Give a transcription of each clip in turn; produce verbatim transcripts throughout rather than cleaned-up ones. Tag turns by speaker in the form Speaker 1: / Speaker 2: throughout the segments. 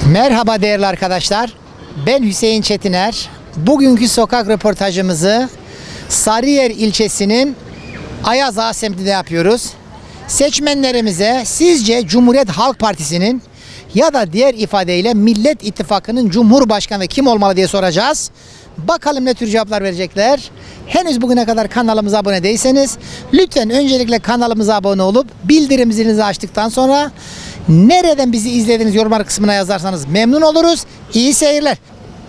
Speaker 1: Merhaba değerli arkadaşlar. Ben Hüseyin Çetiner. Bugünkü sokak röportajımızı Sarıyer ilçesinin Ayaz Ağa semtinde yapıyoruz. Seçmenlerimize sizce Cumhuriyet Halk Partisi'nin ya da diğer ifadeyle Millet İttifakı'nın Cumhurbaşkanı kim olmalı diye soracağız. Bakalım ne tür cevaplar verecekler. Henüz bugüne kadar kanalımıza abone değilseniz lütfen öncelikle kanalımıza abone olup bildirim zilinizi açtıktan sonra nereden bizi izlediğiniz yorumlar kısmına yazarsanız memnun oluruz. İyi seyirler.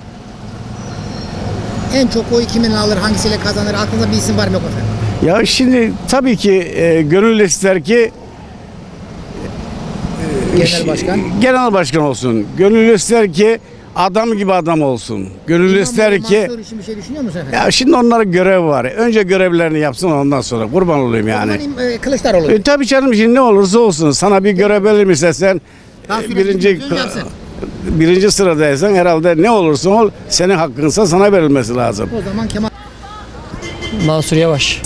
Speaker 1: En çok oy kimin alır, hangisiyle kazanır? Aklınızda bir isim var mı yok efendim?
Speaker 2: Ya şimdi tabii ki e, gönül ister ki e,
Speaker 1: Genel başkan.
Speaker 2: genel başkan olsun. Gönül ister ki adam gibi adam olsun. Gönül ister ki
Speaker 1: Mansur için bir şey düşünüyor musun efendim?
Speaker 2: ya şimdi onların görev var. Önce görevlerini yapsın ondan sonra kurban olayım yani.
Speaker 1: O zaman, e, Kılıçdaroğlu.
Speaker 2: E, tabii canım şimdi ne olursa olsun sana bir görev verilmişse sen
Speaker 1: Daha
Speaker 2: e,
Speaker 1: sürekli
Speaker 2: birinci
Speaker 1: bir söz yapsın.
Speaker 2: birinci sıradaysan herhalde ne olursa ol senin hakkınsa sana verilmesi lazım.
Speaker 1: O zaman Kemal
Speaker 3: Mansur Yavaş.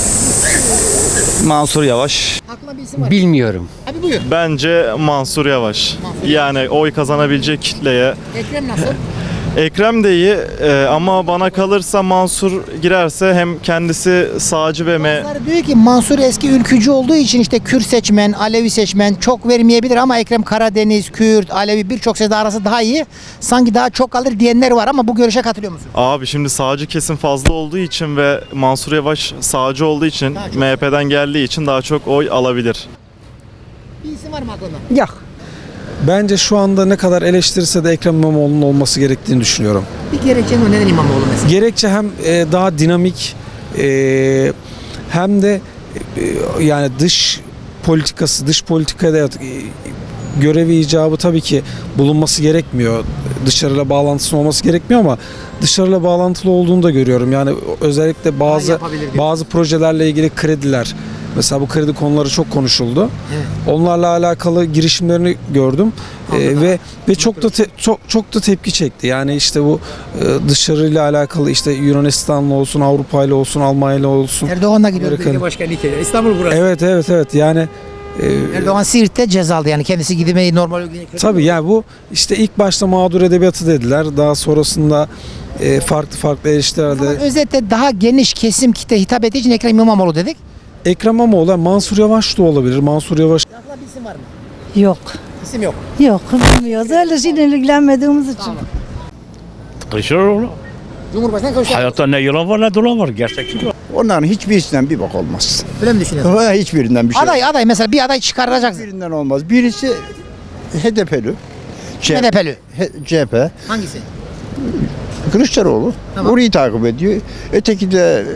Speaker 4: Mansur Yavaş.
Speaker 1: aklına bir isim var.
Speaker 3: Bilmiyorum.
Speaker 1: Abi buyur.
Speaker 5: Bence Mansur Yavaş.
Speaker 1: Mansur
Speaker 5: Yani oy kazanabilecek kitleye.
Speaker 1: Ekrem nasıl?
Speaker 5: Ekrem de iyi e, ama bana kalırsa Mansur girerse hem kendisi sağcı ve me
Speaker 1: Bazıları diyor ki Mansur eski ülkücü olduğu için işte Kürt seçmen, Alevi seçmen çok vermeyebilir ama Ekrem Karadeniz, Kürt, Alevi birçok seçmen arası daha iyi. Sanki daha çok alır diyenler var ama bu görüşe katılıyor musun?
Speaker 5: Abi şimdi sağcı kesim fazla olduğu için ve Mansur Yavaş sağcı olduğu için
Speaker 1: Daha çok.
Speaker 5: M H P'den geldiği için daha çok oy alabilir.
Speaker 1: Bir isim var mı aklında?
Speaker 3: Yok.
Speaker 6: Bence şu anda ne kadar eleştirirse de Ekrem İmamoğlu'nun olması gerektiğini düşünüyorum.
Speaker 1: Bir gerekçen o neden İmamoğlu mesela?
Speaker 6: Gerekçe hem e, daha dinamik e, hem de e, yani dış politikası, dış politikada e, görevi icabı tabii ki bulunması gerekmiyor. Dışarıyla bağlantısının olması gerekmiyor ama dışarıyla bağlantılı olduğunu da görüyorum. Yani özellikle bazı
Speaker 1: yapabilir diyorsun.
Speaker 6: bazı projelerle ilgili krediler. Mesela bu kredi konuları çok konuşuldu.
Speaker 1: Evet.
Speaker 6: Onlarla alakalı girişimlerini gördüm. Ee, ve ve çok da te- çok çok da tepki çekti. Yani işte bu e, dışarıyla alakalı işte Yunanistan'la olsun, Avrupa'yla olsun, Almanya'yla olsun.
Speaker 1: Erdoğan'la gidiyor.
Speaker 6: Amerika'nın-
Speaker 1: Başkanı İstanbul burası.
Speaker 6: Evet evet evet. Yani e,
Speaker 1: Erdoğan Siirt'te ceza aldı yani kendisi gidmeyi normal ülkeye.
Speaker 6: tabii yani bu işte ilk başta mağdur edebiyatı dediler. Daha sonrasında e, farklı farklı
Speaker 1: Ama
Speaker 6: eleştirilerde
Speaker 1: özetle daha geniş kesim kitle hitap ettiği için Ekrem İmamoğlu dedik.
Speaker 6: Ekrem İmamoğlu, Mansur Yavaş da olabilir. Mansur Yavaş
Speaker 1: Aklında bir isim var mı?
Speaker 7: Yok.
Speaker 1: İsim yok.
Speaker 7: Yok bilmiyoruz. Öyle şeyle ilgilenmediğimiz için.
Speaker 1: Tamam.
Speaker 8: Kılıçdaroğlu.
Speaker 1: Cumhurbaşkanı Kılıçdaroğlu.
Speaker 8: Hayatta ne yalan var ne dolan var. Gerçekçi.
Speaker 9: Onların hiçbirisinden bir bak olmaz.
Speaker 1: Öyle mi düşünüyorsun?
Speaker 9: Ha, Hiçbirinden bir şey.
Speaker 1: Aday aday mesela bir aday çıkarılacaksın.
Speaker 9: Hiçbirinden olmaz. Birisi H D P'li.
Speaker 1: H D P'li.
Speaker 9: C H P.
Speaker 1: Hangisi?
Speaker 9: Kılıçdaroğlu.
Speaker 1: Tamam.
Speaker 9: Orayı takip ediyor. Öteki de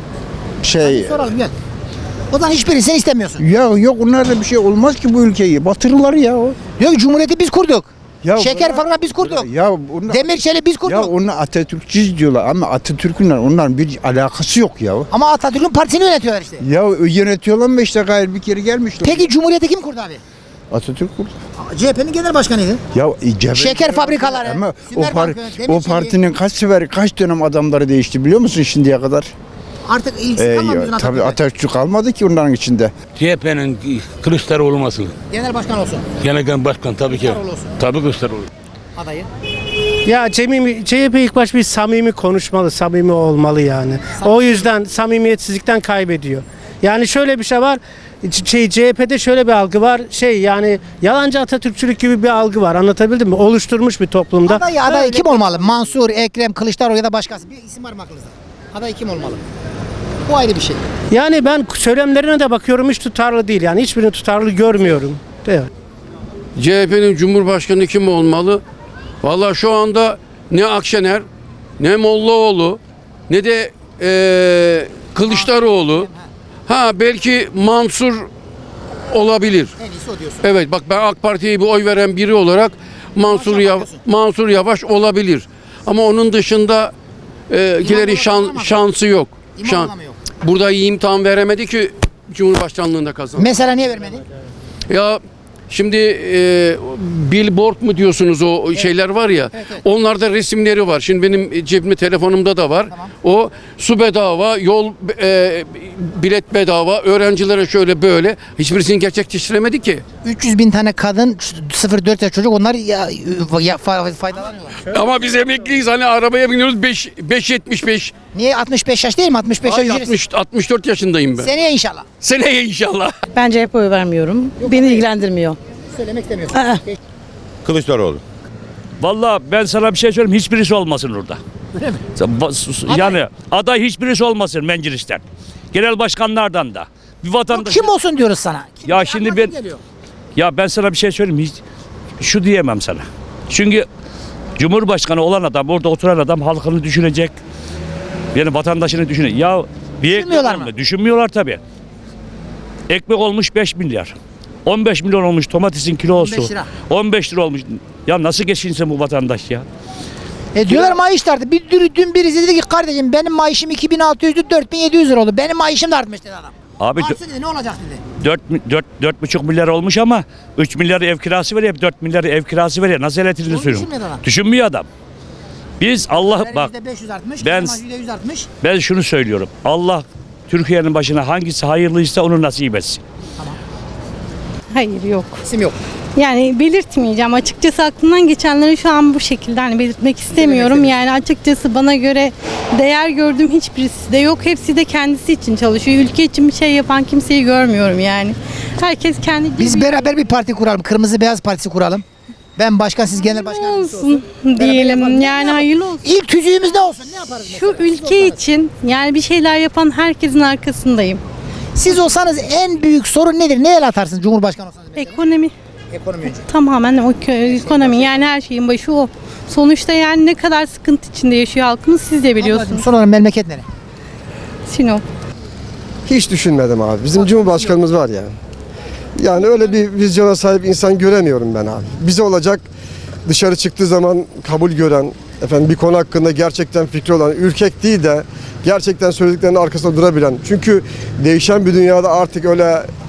Speaker 9: şey
Speaker 1: Soralım gel. O zaman hiçbirisini istemiyorsun.
Speaker 9: ya yok onlarda bir şey olmaz ki bu ülkeyi. Batırırlar ya. o.
Speaker 1: Diyor ki Cumhuriyeti biz kurduk.
Speaker 9: Ya
Speaker 1: Şeker
Speaker 9: bunlar-
Speaker 1: fabrikası biz kurduk.
Speaker 9: Ya onlar,
Speaker 1: Demir çelik biz
Speaker 9: ya
Speaker 1: kurduk.
Speaker 9: onlar Atatürkçüyüz diyorlar ama Atatürk'ün onların bir alakası yok ya.
Speaker 1: Ama Atatürk'ün partisini yönetiyorlar işte.
Speaker 9: Ya yönetiyorlar mı işte gayrı bir kere gelmişler.
Speaker 1: Peki Cumhuriyeti kim kurdu abi?
Speaker 9: Atatürk kurdu.
Speaker 1: C H P'nin genel başkanıydı.
Speaker 9: Ya e, cebel-
Speaker 1: Şeker fabrikaları,
Speaker 9: Ama o,
Speaker 1: Sümer
Speaker 9: par-
Speaker 1: Bankı, Demir
Speaker 9: o
Speaker 1: Çeliği.
Speaker 9: partinin kaç sefer kaç dönem adamları değişti biliyor musun şimdiye kadar?
Speaker 1: Artık ilgisi
Speaker 9: Ee,
Speaker 1: kalmadı
Speaker 9: ya,
Speaker 1: bizim
Speaker 9: tabii
Speaker 1: Atatürk'e.
Speaker 9: Atatürk kalmadı ki onların içinde.
Speaker 8: C H P'nin Kılıçdaroğlu olması.
Speaker 1: Genel başkan olsun.
Speaker 8: Genel başkan tabii ki.
Speaker 1: Kılıçdaroğlu olsun.
Speaker 8: Tabii Kılıçdaroğlu.
Speaker 1: Adayı.
Speaker 3: Ya Cemil, C H P ilk baş bir samimi konuşmalı, samimi olmalı yani. O yüzden samimiyetsizlikten kaybediyor. Yani şöyle bir şey var. ç- Şey, C H P'de şöyle bir algı var. Şey yani yalancı Atatürkçülük gibi bir algı var. Anlatabildim mi? Oluşturmuş bir toplumda.
Speaker 1: Aday aday
Speaker 3: Öyle-
Speaker 1: kim olmalı? Mansur, Ekrem, Kılıçdaroğlu ya da başkası. Bir isim var mı aklınızda? Aday kim olmalı? Bu ayrı bir şey.
Speaker 3: Yani ben söylemlerine de bakıyorum, hiç tutarlı değil. Yani hiçbirini tutarlı görmüyorum. Evet.
Speaker 10: C H P'nin Cumhurbaşkanı kim olmalı? Vallahi şu anda ne Akşener, ne Mollaoğlu, ne de eee, Kılıçdaroğlu. Ha belki Mansur olabilir.
Speaker 1: En iyisi o diyorsun.
Speaker 10: Evet bak ben AK Parti'ye bir oy veren biri olarak Mansur Yav Mansur Yavaş olabilir. Ama onun dışında eee kilerin şan,
Speaker 1: olamaz.
Speaker 10: şansı yok. Şan,
Speaker 1: İmamoğlu mu yok?
Speaker 10: burada iyi imtihan veremedi ki Cumhurbaşkanlığında kazandı.
Speaker 1: Mesela niye vermedi?
Speaker 10: Ya Şimdi e, billboard mu diyorsunuz o şeyler var ya.
Speaker 1: Evet, evet.
Speaker 10: Onlarda resimleri var. Şimdi benim cebimde telefonumda da var.
Speaker 1: Tamam.
Speaker 10: O su bedava, yol e, bilet bedava, öğrencilere şöyle böyle. Hiçbirisini gerçekleştiremedi ki.
Speaker 1: üç yüz bin tane kadın, sıfır dört yaş çocuk onlar ya, ya, fa- faydalanıyorlar.
Speaker 10: Ama biz emekliyiz, hani arabaya biniyoruz beş beş yetmiş beş.
Speaker 1: Niye altmış beş yaş değil mi? altmış beş yaş
Speaker 10: Ay,
Speaker 1: ücretsiz.
Speaker 10: altmış altmış dört yaşındayım ben.
Speaker 1: Seneye inşallah.
Speaker 10: Seneye inşallah.
Speaker 7: Ben C H P oy vermiyorum. Beni ilgilendirmiyor.
Speaker 1: Söylemek istemiyorsun.
Speaker 7: Aa.
Speaker 4: Kılıçdaroğlu.
Speaker 8: Vallahi ben sana bir şey söyleyeyim, hiçbirisi olmasın orada.
Speaker 1: Öyle mi?
Speaker 8: Yani aday hiçbirisi olmasın meclisten. Genel başkanlardan da. Bir vatandaş.
Speaker 1: Kim olsun diyoruz sana? Kim
Speaker 8: Ya
Speaker 1: aklına
Speaker 8: şimdi
Speaker 1: kim
Speaker 8: ben-
Speaker 1: geliyor?
Speaker 8: Ya ben sana bir şey söyleyeyim, hiç şu diyemem sana. Çünkü Cumhurbaşkanı olan adam, orada oturan adam halkını düşünecek. Yani vatandaşını düşünecek. Ya bir ekmek
Speaker 1: Düşünmüyorlar
Speaker 8: olma-
Speaker 1: mı?
Speaker 8: Düşünmüyorlar tabii. Ekmek olmuş beş milyar. on beş milyon olmuş domatesin kilosu.
Speaker 1: on beş lira.
Speaker 8: on beş lira olmuş. Ya nasıl geçinsin bu vatandaş ya?
Speaker 1: E diyorlar maaş da arttı. Bir, dün, dün birisi dedi ki kardeşim benim maaşım iki bin altı yüzdü dört bin yedi yüz lira oldu. Benim maaşım da artmış dedi adam.
Speaker 8: Abi
Speaker 1: Artsın dedi ne olacak dedi.
Speaker 8: dört buçuk milyar olmuş ama üç milyar ev kirası veriyor, dört milyar ev kirası veriyor. Nasıl elektriğini
Speaker 1: Onu
Speaker 8: sürüyor?
Speaker 1: düşünmüyor adam.
Speaker 8: Düşünmüyor adam. Biz Allah
Speaker 1: Her
Speaker 8: bak
Speaker 1: yüzde beş yüz artmış.
Speaker 8: ben-
Speaker 1: Ben, yüzde yüz artmış.
Speaker 8: ben şunu söylüyorum. Allah Türkiye'nin başına hangisi hayırlıysa onu nasip etsin.
Speaker 11: Hayır yok.
Speaker 1: İsim yok.
Speaker 11: Yani belirtmeyeceğim. Açıkçası aklımdan geçenleri şu an bu şekilde hani belirtmek istemiyorum. Yani açıkçası bana göre değer gördüğüm hiçbirisi de yok. Hepsi de kendisi için çalışıyor. Ülke için bir şey yapan kimseyi görmüyorum yani. Herkes kendi gibi
Speaker 1: Biz beraber bir parti kuralım. Kırmızı Beyaz Partisi kuralım. Ben başkan, siz genel başkan yardımcısı
Speaker 11: olsun
Speaker 1: Beraber
Speaker 11: diyelim.
Speaker 1: yapalım. Ne
Speaker 11: Yani
Speaker 1: yapalım?
Speaker 11: hayırlı olsun.
Speaker 1: İlk tüzüğümüz ne olsun? Ne yaparız
Speaker 11: Şu
Speaker 1: mesela? Siz
Speaker 11: ülke
Speaker 1: olsanız.
Speaker 11: için yani bir şeyler yapan herkesin arkasındayım.
Speaker 1: Siz olsanız en büyük sorun nedir? Ne el atarsınız Cumhurbaşkanı olsanız mesela?
Speaker 11: Ekonomi
Speaker 1: Ekonomi önce.
Speaker 11: tamamen o kö- ekonomi yani her şeyin başı o. Sonuçta yani ne kadar sıkıntı içinde yaşıyor halkımız siz de biliyorsunuz.
Speaker 1: Son olarak memleket nere?
Speaker 11: Sinop.
Speaker 12: Hiç düşünmedim abi. Bizim Cumhurbaşkanımız var ya. Yani öyle bir vizyona sahip insan göremiyorum ben abi. Bize olacak dışarı çıktığı zaman kabul gören, efendim bir konu hakkında gerçekten fikri olan, ürkek değil de gerçekten söylediklerinin arkasında durabilen. Çünkü değişen bir dünyada artık öyle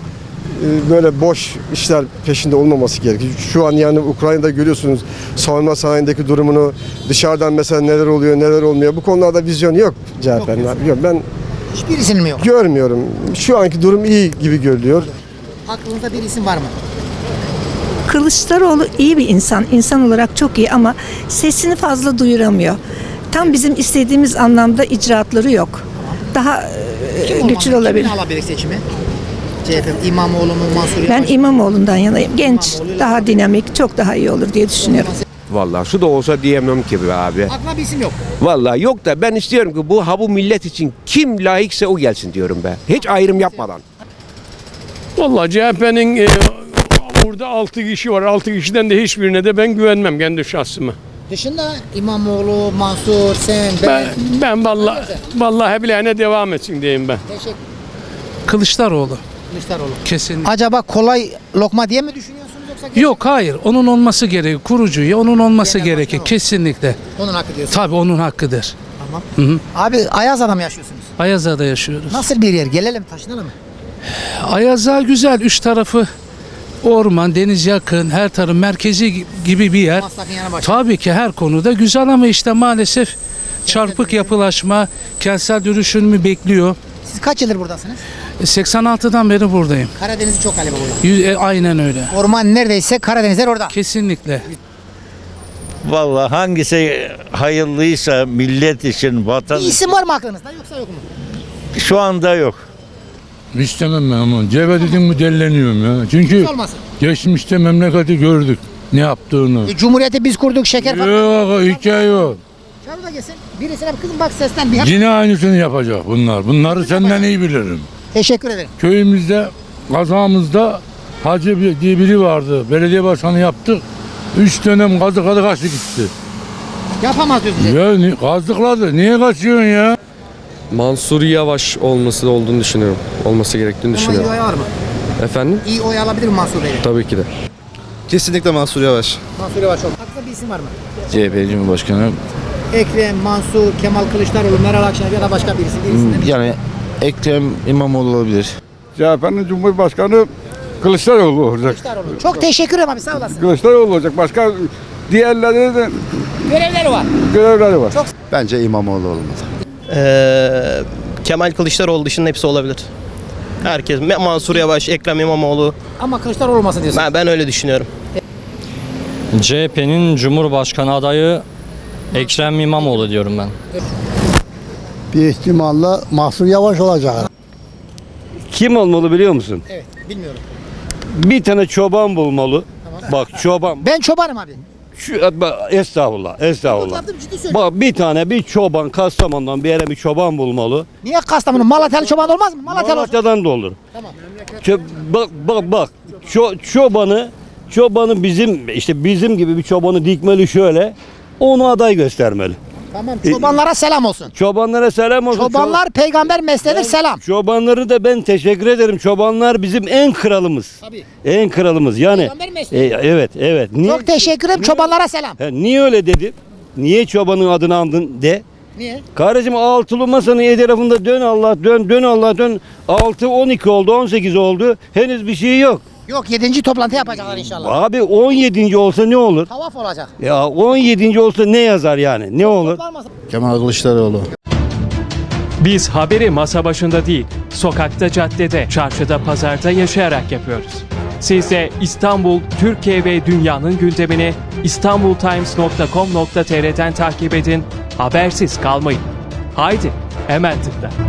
Speaker 12: e, böyle boş işler peşinde olmaması gerekiyor. Şu an yani Ukrayna'da görüyorsunuz savunma sanayindeki durumunu, dışarıdan mesela neler oluyor, neler olmuyor. Bu konularda vizyon yok C H P'nin abi. Yok, ben
Speaker 1: Hiçbirisinin mi yok?
Speaker 12: görmüyorum. Şu anki durum iyi gibi görülüyor.
Speaker 1: Aklınızda bir isim var mı?
Speaker 7: Kılıçdaroğlu iyi bir insan. İnsan olarak çok iyi ama sesini fazla duyuramıyor. Tam bizim istediğimiz anlamda icraatları yok. Daha e, güçlü olabilir.
Speaker 1: Kim alabilir seçimi? C H P, İmamoğlu mu, Mansur
Speaker 7: Ben
Speaker 1: Yavaş?
Speaker 7: İmamoğlu'ndan yanayım. Genç, daha dinamik, çok daha iyi olur diye düşünüyorum.
Speaker 4: Vallahi şu da olsa diyemem ki be abi.
Speaker 1: Aklına bir isim yok.
Speaker 4: Vallahi yok da ben istiyorum ki bu ha bu millet için kim layıksa o gelsin diyorum be. Hiç ayrım yapmadan.
Speaker 10: Vallahi C H P'nin e, burada altı kişi var. altı kişiden de hiçbirine de ben güvenmem kendi şahsıma.
Speaker 1: Dışında İmamoğlu, Mansur, sen, ben.
Speaker 10: Ben, ben vallahi vallahi bileğine devam etsin diyeyim ben.
Speaker 1: Teşekkür
Speaker 3: Kılıçdaroğlu
Speaker 1: Kılıçdaroğlu.
Speaker 3: kesinlikle.
Speaker 1: Acaba kolay lokma diye mi düşünüyorsunuz yoksa?
Speaker 3: Yok hayır onun olması gerekiyor. Kurucu ya onun olması
Speaker 1: Genel
Speaker 3: gerekiyor
Speaker 1: başkan o.
Speaker 3: kesinlikle.
Speaker 1: Onun hakkı diyorsun.
Speaker 3: Tabii onun hakkıdır.
Speaker 1: Tamam.
Speaker 3: Hı hı.
Speaker 1: Abi Ayaza'da mı yaşıyorsunuz?
Speaker 3: Ayazağa'da yaşıyoruz.
Speaker 1: Nasıl bir yer? Gelelim taşınalım mı?
Speaker 3: Ayazağa güzel. Üç tarafı orman, deniz yakın, her tarafı merkezi gibi bir yer.
Speaker 1: Maslak'ın yanı başı.
Speaker 3: Tabii ki her konuda güzel ama işte maalesef çarpık yapılaşma, kentsel dönüşümü bekliyor.
Speaker 1: Siz kaç yıldır buradasınız?
Speaker 3: seksen altıdan beri buradayım.
Speaker 1: Karadeniz'i çok galiba burada.
Speaker 3: Yüz- e, aynen öyle.
Speaker 1: Orman neredeyse Karadenizler orada.
Speaker 3: Kesinlikle.
Speaker 8: Vallahi hangisi hayırlıysa millet için, vatan
Speaker 1: Bir isim var mı aklınızda yoksa yok mu?
Speaker 8: şu anda yok.
Speaker 2: İstemem ben ama. C H P dedim mi delleniyorum ya. Çünkü
Speaker 1: Hiç olmasın.
Speaker 2: geçmişte memleketi gördük. Ne yaptığını.
Speaker 1: E, Cumhuriyeti biz kurduk şeker falan.
Speaker 2: Yok hikaye yok.
Speaker 1: Çağır da gelsin. Birisine bir kızım bak sesten bir.
Speaker 2: Yine aynısını yapacak bunlar. Bunları senden iyi bilirim.
Speaker 1: Teşekkür ederim.
Speaker 2: Köyümüzde, kazamızda Hacı bir- diye biri vardı. Belediye başkanı yaptık. Üç dönem kazı kazı kaçtı gitti.
Speaker 1: Yapamaz diyorsun.
Speaker 2: Ya ni- kazdıkladı. Niye kaçıyorsun ya?
Speaker 12: Mansur Yavaş olması olduğunu düşünüyorum. Olması gerektiğini
Speaker 1: Ama iyi oy var mı?
Speaker 12: Efendim?
Speaker 1: İyi oy alabilir mi Mansur Bey'le?
Speaker 12: Tabii ki de. Kesinlikle Mansur Yavaş.
Speaker 1: Mansur Yavaş oldu. Aklınızda bir isim var mı?
Speaker 8: C H P Cumhurbaşkanı
Speaker 1: Ekrem, Mansur, Kemal Kılıçdaroğlu, Meral Akşener ya da başka birisi. Birisinden bir-
Speaker 8: yani Ekrem İmamoğlu olabilir.
Speaker 2: C H P'nin Cumhurbaşkanı Kılıçdaroğlu olacak.
Speaker 1: Kılıçdaroğlu. Çok teşekkür ederim abi, sağ olasın.
Speaker 2: Kılıçdaroğlu olacak. Başka diğerleri de
Speaker 1: Görevleri var.
Speaker 2: görevleri var.
Speaker 9: Bence İmamoğlu olmalı.
Speaker 13: Ee, Kemal Kılıçdaroğlu dışında hepsi olabilir. Herkes. Mansur Yavaş, Ekrem İmamoğlu.
Speaker 1: Ama Kılıçdaroğlu olmasın diyorsun.
Speaker 13: Ben, ben öyle düşünüyorum.
Speaker 14: C H P'nin Cumhurbaşkanı adayı Ekrem İmamoğlu diyorum ben.
Speaker 9: Bir ihtimalle Mahsur Yavaş olacak.
Speaker 15: Kim olmalı biliyor musun?
Speaker 1: Evet, bilmiyorum.
Speaker 15: Bir tane çoban bulmalı. Bak çoban.
Speaker 1: Ben çobanım abi.
Speaker 15: Şu, estağfurullah, estağfurullah.
Speaker 1: Anladım, ciddi söylüyorum.
Speaker 15: Bak bir tane bir çoban Kastamonu'dan bir yere bir çoban bulmalı.
Speaker 1: Niye Kastamonu? Malatyalı çoban olmaz mı? Malatyalı olsun.
Speaker 15: Malatya'dan da olur.
Speaker 1: Tamam.
Speaker 15: Çö- bak bak bak. Ço- çobanı çobanı bizim işte bizim gibi bir çobanı dikmeli şöyle. Onu aday göstermeli.
Speaker 1: Tamam. Çobanlara selam olsun.
Speaker 15: Çobanlara selam olsun.
Speaker 1: Çobanlar peygamber mesleğidir, selam.
Speaker 15: Çobanları da ben teşekkür ederim. Çobanlar bizim en kralımız.
Speaker 1: Tabii.
Speaker 15: En kralımız. Yani
Speaker 1: Peygamber mesleği.
Speaker 15: e, evet, evet. Niye,
Speaker 1: Çok teşekkür ederim. Çobanlara selam.
Speaker 15: He, niye öyle dedim? Niye çobanın adını andın de?
Speaker 1: Niye?
Speaker 15: Kardeşim altılı masanın etrafında dön Allah dön dön Allah dön. altı on iki oldu, on sekiz oldu. Henüz bir şey yok.
Speaker 1: Yok, yedinci toplantı yapacaklar inşallah.
Speaker 15: Abi on yedinci olsa ne olur?
Speaker 1: Tavaf olacak.
Speaker 15: Ya on yedinci olsa ne yazar yani? Ne olur?
Speaker 1: Toplanmasın.
Speaker 9: Kemal Kılıçdaroğlu.
Speaker 16: Biz haberi masa başında değil, sokakta, caddede, çarşıda, pazarda yaşayarak yapıyoruz. Siz de İstanbul, Türkiye ve dünyanın gündemini istanbultimes nokta com nokta tr'den takip edin, habersiz kalmayın. Haydi, hemen tıkla.